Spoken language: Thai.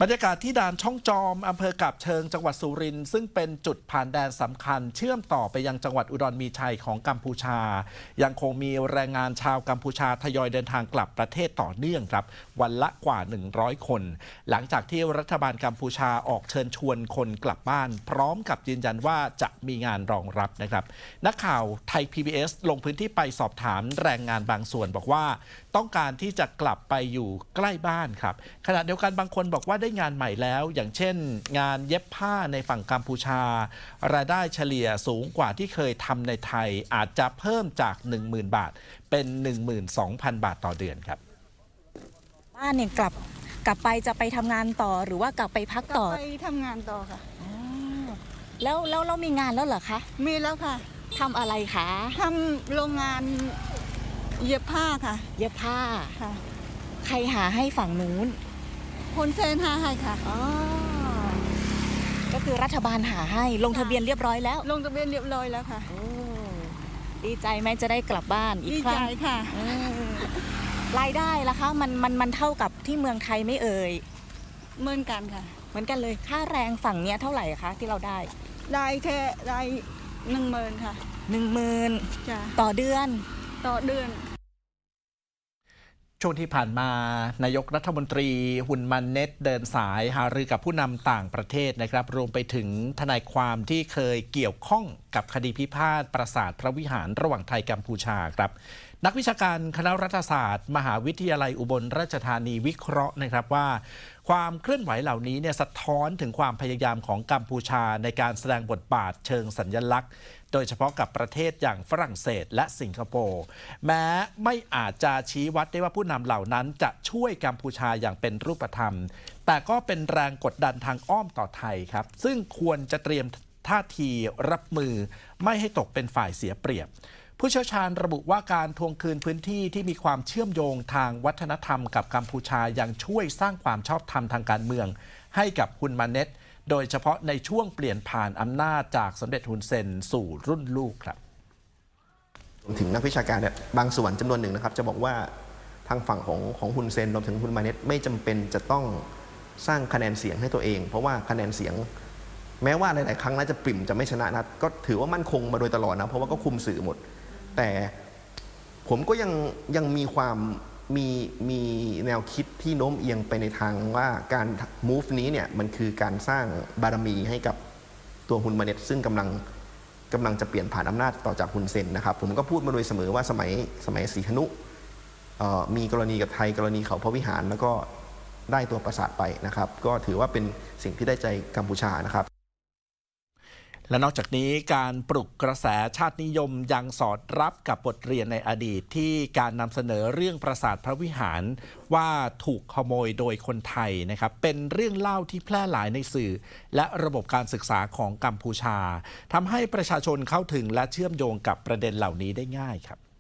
บรรยากาศที่ด่านช่องจอมอำเภอกาบเชิงจังหวัดสุรินทร์ซึ่งเป็นจุดผ่านแดนสำคัญเชื่อมต่อไปยังจังหวัดอุดรมีชัยของกัมพูชายังคงมีแรงงานชาวกัมพูชาทยอยเดินทางกลับประเทศต่อเนื่องครับวันละกว่า100คนหลังจากที่รัฐบาลกัมพูชาออกเชิญชวนคนกลับบ้านพร้อมกับยืนยันว่าจะมีงานรองรับนะครับนักข่าวไทย PBS ลงพื้นที่ไปสอบถามแรงงานบางส่วนบอกว่าต้องการที่จะกลับไปอยู่ใกล้บ้านครับขณะเดียวกันบางคนบอกว่าได้งานใหม่แล้วอย่างเช่นงานเย็บผ้าในฝั่งกัมพูชารายได้เฉลี่ยสูงกว่าที่เคยทำในไทยอาจจะเพิ่มจาก 10,000 บาทเป็น 12,000 บาทต่อเดือนครับบ้านเนี่ยกลับไปจะไปทำงานต่อหรือว่ากลับไปพักต่อไปทำงานต่อค่ะแล้วเรามีงานแล้วเหรอคะมีแล้วค่ะทำอะไรคะทำโรงงานเย็บผ้าค่ะเย็บผ้าค่ะใครหาให้ฝั่งนู้นคนเซนหาให้ค่ะอ๋อก็คือรัฐบาลหาให้ลงทะเบียนเรียบร้อยแล้วลงทะเบียนเรียบร้อยแล้วค่ะดีใจไหมจะได้กลับบ้านอีกครั้งดีใจค่ะรายได้ล่ะคะมันเท่ากับที่เมืองไทยไม่เอ่ยเหมือนกันค่ะเหมือนกันเลยค่าแรงฝั่งเนี้ยเท่าไหร่คะที่เราได้แค่ได้10,000ค่ะ 10,000 จ้ะต่อเดือนช่วงที่ผ่านมานายกรัฐมนตรีหุ่นมันเน็ตเดินสายหารือกับผู้นำต่างประเทศนะครับรวมไปถึงทนายความที่เคยเกี่ยวข้องกับคดีพิพาทปราสาทพระวิหารระหว่างไทยกัมพูชาครับนักวิชาการคณะรัฐศาสตร์มหาวิทยาลัยอุบลราชธานีวิเคราะห์นะครับว่าความเคลื่อนไหวเหล่านี้เนี่ยสะท้อนถึงความพยายามของกัมพูชาในการแสดงบทบาทเชิงสัญลักษณ์โดยเฉพาะกับประเทศอย่างฝรั่งเศสและสิงคโปร์แม้ไม่อาจจะชี้วัดได้ว่าผู้นำเหล่านั้นจะช่วยกัมพูชาอย่างเป็นรูปธรรมแต่ก็เป็นแรงกดดันทางอ้อมต่อไทยครับซึ่งควรจะเตรียมท่าทีรับมือไม่ให้ตกเป็นฝ่ายเสียเปรียบผู้เชี่ยวชาญระบุว่าการทวงคืนพื้นที่ที่มีความเชื่อมโยงทางวัฒนธรรมกับกัมพูชายังช่วยสร้างความชอบธรรมทางการเมืองให้กับฮุนมาเน็ตโดยเฉพาะในช่วงเปลี่ยนผ่านอำนาจจากสมเด็จฮุนเซนสู่รุ่นลูกครับรวมถึงนักวิชาการเนี่ยบางส่วนจำนวนหนึ่งนะครับจะบอกว่าทางฝั่งของฮุนเซนรวมถึงฮุนมาเน็ตไม่จำเป็นจะต้องสร้างคะแนนเสียงให้ตัวเองเพราะว่าคะแนนเสียงแม้ว่าหลายๆครั้งน่าจะปริ่มจะไม่ชนะนะก็ถือว่ามั่นคงมาโดยตลอดนะเพราะว่าก็คุมสื่อหมดแต่ผมก็ยังมีความมีแนวคิดที่โน้มเอียงไปในทางว่าการ move นี้เนี่ยมันคือการสร้างบารมีให้กับตัวฮุนมาเน็ตซึ่งกำลังจะเปลี่ยนผ่านอำนาจต่อจากฮุนเซนนะครับผมก็พูดมาโดยเสมอว่าสมัยศรีหนุมีกรณีกับไทยกรณีเขาพระวิหารแล้วก็ได้ตัวปราสาทไปนะครับก็ถือว่าเป็นสิ่งที่ได้ใจกัมพูชานะครับและนอกจากนี้การปลุกกระแสชาตินิยมยังสอดรับกับบทเรียนในอดีตที่การนำเสนอเรื่องปราสาทพระวิหารว่าถูกขโมยโดยคนไทยนะครับเป็นเรื่องเล่าที่แพร่หลายในสื่อและระบบการศึกษาของกัมพูชาทำให้ประชาชนเข้าถึงและเชื่อมโยงกับประเด็นเหล่านี้ได้ง่ายครับ